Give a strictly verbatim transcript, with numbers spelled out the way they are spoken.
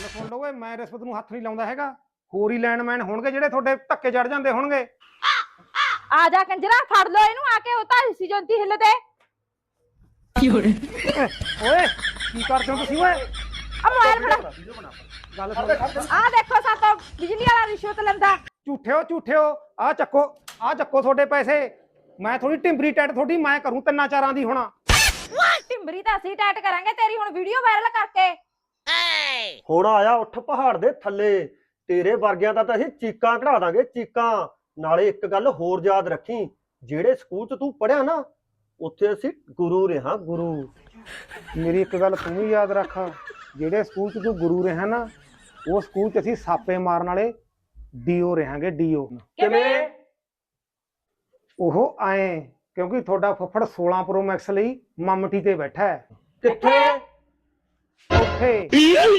ਸੁਣ ਲਓ ਓਏ, ਮੈਂ ਰਿਸ਼ਵਤ ਨੂੰ ਹੱਥ ਨਹੀਂ ਲਾਉਂਦਾ ਹੈਗਾ। ਹੋਰ ਹੀ ਲੈਂਡਮੈਨ ਹੋਣਗੇ ਜਿਹੜੇ ਤੁਹਾਡੇ ਧੱਕੇ ਚੜ ਜਾਂਦੇ ਹੋਣਗੇ। ਆ ਜਾ ਕੰਜਰਾ, ਫੜ ਲੋ ਇਹਨੂੰ ਆ ਕੇ। ਉਹ ਤਾਂ ਹਿੱਸੀ ਜੰਤੀ ਹਿੱਲਦੇ। ਓਏ ਕੀ ਕਰਦੇ ਹੋ ਤੁਸੀਂ ਓਏ? ਆ ਮੋਬਾਈਲ ਫੜਾ। ਗੱਲ ਸੁਣ, ਆ ਦੇਖੋ ਸਾਤੋਂ ਬਿਜਲੀ ਵਾਲਾ ਰਿਸ਼ਵਤ ਲੈਂਦਾ। ਝੂਠਿਓ ਝੂਠਿਓ, ਆ ਚੱਕੋ, ਆ ਚੱਕੋ ਤੁਹਾਡੇ ਪੈਸੇ। ਮੈਂ ਥੋੜੀ ਟਿੰਬਰੀ ਟੈਟ ਤੁਹਾਡੀ ਮੈਂ ਕਰੂੰ ਤਿੰਨਾਂ ਚਾਰਾਂ ਦੀ ਹੁਣ। ਟਿੰਬਰੀ ਤਾਂ ਅਸੀਂ ਟੈਟ ਕਰਾਂਗੇ ਤੇਰੀ ਹੁਣ ਵੀਡੀਓ ਵਾਇਰਲ ਕਰਕੇ। ਹੁਣ ਆਇਆ ਉੱਠ ਪਹਾੜ ਦੇ ਥੱਲੇ, ਤੇਰੇ ਵਰਗਿਆਂ ਦਾ ਤਾਂ ਅਸੀਂ ਚੀਕਾਂ ਕਢਾ ਦਾਂਗੇ, ਚੀਕਾਂ। ਨਾਲੇ ਇੱਕ ਗੱਲ ਹੋਰ ਯਾਦ ਰੱਖੀ, ਜਿਹੜੇ ਸਕੂਲ 'ਚ ਤੂੰ ਪੜ੍ਹਿਆ ਨਾ, ਉੱਥੇ ਅਸੀਂ ਗੁਰੂ ਰਿਹਾ, ਗੁਰੂ। ਮੇਰੀ ਇੱਕ ਗੱਲ ਤੂੰ ਵੀ ਯਾਦ ਰੱਖ, ਜਿਹੜੇ ਸਕੂਲ 'ਚ ਤੂੰ ਗੁਰੂ ਰਿਹਾ ਨਾ, ਉਹ ਸਕੂਲ 'ਚ ਅਸੀਂ ਸਾਪੇ ਮਾਰਨ ਵਾਲੇ ਡੀਓ ਰਹਾਂਗੇ, ਡੀਓ। ਕਿਵੇਂ? ਉਹ ਆਏ ਕਿਉਂਕਿ ਤੁਹਾਡਾ ਫੁੱਫੜ ਸੋਲਾਂ ਪ੍ਰੋ ਮੈਕਸ ਲਈ ਮਮਟੀ ਤੇ ਬੈਠਾ ਹੈ। ਕਿੱਥੇ? ਉੱਥੇ